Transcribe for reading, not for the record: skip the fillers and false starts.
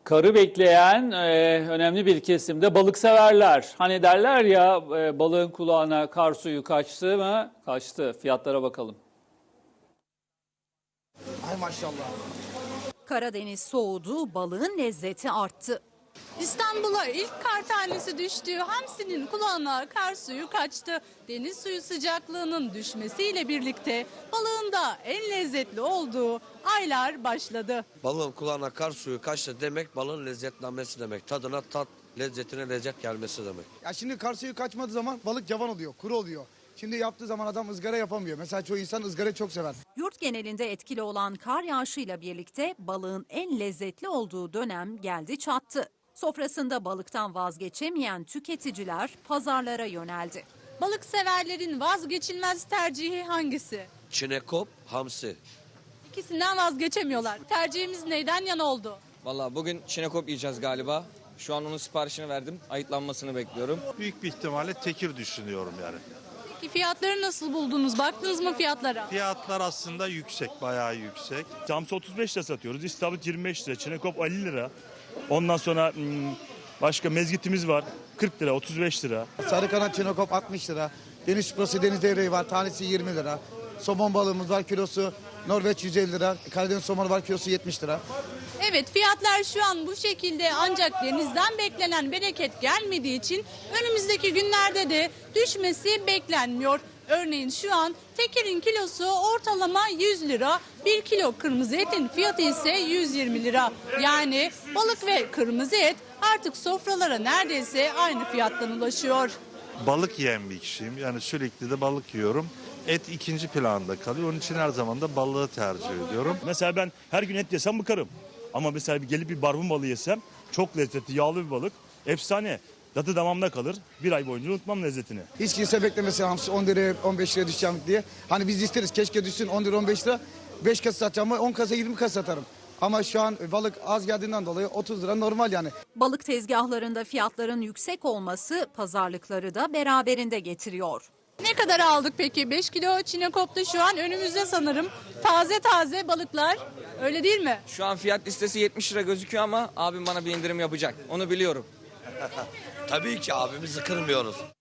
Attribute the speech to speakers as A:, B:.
A: Karı bekleyen önemli bir kesimde balık severler. Hani derler ya balığın kulağına kar suyu kaçtı mı? Kaçtı. Fiyatlara bakalım.
B: Ay maşallah.
C: Karadeniz soğudu, balığın lezzeti arttı.
D: İstanbul'a ilk kar tanesi düştü. Hamsinin kulağına kar suyu kaçtı. Deniz suyu sıcaklığının düşmesiyle birlikte balığın da en lezzetli olduğu aylar başladı.
E: Balığın kulağına kar suyu kaçtı demek balığın lezzetlenmesi demek. Tadına tat, lezzetine lezzet gelmesi demek.
B: Ya şimdi kar suyu kaçmadığı zaman balık cavan oluyor, kuru oluyor. Şimdi yaptığı zaman adam ızgara yapamıyor. Mesela çoğu insan ızgara çok sever.
C: Yurt genelinde etkili olan kar yağışıyla birlikte balığın en lezzetli olduğu dönem geldi çattı. Sofrasında balıktan vazgeçemeyen tüketiciler pazarlara yöneldi.
D: Balık severlerin vazgeçilmez tercihi hangisi?
E: Çinekop, hamsi.
D: İkisinden vazgeçemiyorlar. Tercihimiz neyden yana oldu?
F: Vallahi bugün çinekop yiyeceğiz galiba. Şu an onun siparişini verdim. Ayıtlanmasını bekliyorum.
G: Büyük bir ihtimalle tekir düşünüyorum yani.
D: Peki fiyatları nasıl buldunuz? Baktınız mı fiyatlara?
G: Fiyatlar aslında yüksek, bayağı yüksek.
H: Hamsi 35 lira satıyoruz. İstavrit 25 lira. Çinekop 50 lira. Ondan sonra başka mezgitimiz var. 40 lira, 35 lira.
B: Sarı kanat çinekop 60 lira. Deniz şükrası deniz devreği var. Tanesi 20 lira. Somon balığımız var, kilosu Norveç 150 lira. Karadeniz somonu var, kilosu 70 lira.
D: Evet, fiyatlar şu an bu şekilde, ancak denizden beklenen bereket gelmediği için önümüzdeki günlerde de düşmesi beklenmiyor. Örneğin şu an tekirin kilosu ortalama 100 lira, 1 kilo kırmızı etin fiyatı ise 120 lira. Yani balık ve kırmızı et artık sofralara neredeyse aynı fiyattan ulaşıyor.
G: Balık yiyen bir kişiyim. Yani sürekli de balık yiyorum. Et ikinci planda kalıyor. Onun için her zaman da balığı tercih ediyorum.
H: Mesela ben her gün et yesem bıkarım. Ama mesela gelip bir barbun balığı yesem çok lezzetli, yağlı bir balık. Efsane. Tadı damağımda kalır. Bir ay boyunca unutmam lezzetini.
B: Hiç kimse beklemesin hamsi 10 liraya 15 liraya düşeceğim diye. Hani biz isteriz keşke düşsün 10 lira 15 lira. 5 kasa satacağım ama 10 kasa 20 kasa satarım. Ama şu an balık az geldiğinden dolayı 30 lira normal yani.
C: Balık tezgahlarında fiyatların yüksek olması pazarlıkları da beraberinde getiriyor.
D: Ne kadar aldık peki? 5 kilo çinekopta şu an önümüzde sanırım. Taze taze balıklar, öyle değil mi?
F: Şu an fiyat listesi 70 lira gözüküyor ama abim bana bir indirim yapacak. Onu biliyorum.
E: Tabii ki abimizi kırmıyoruz.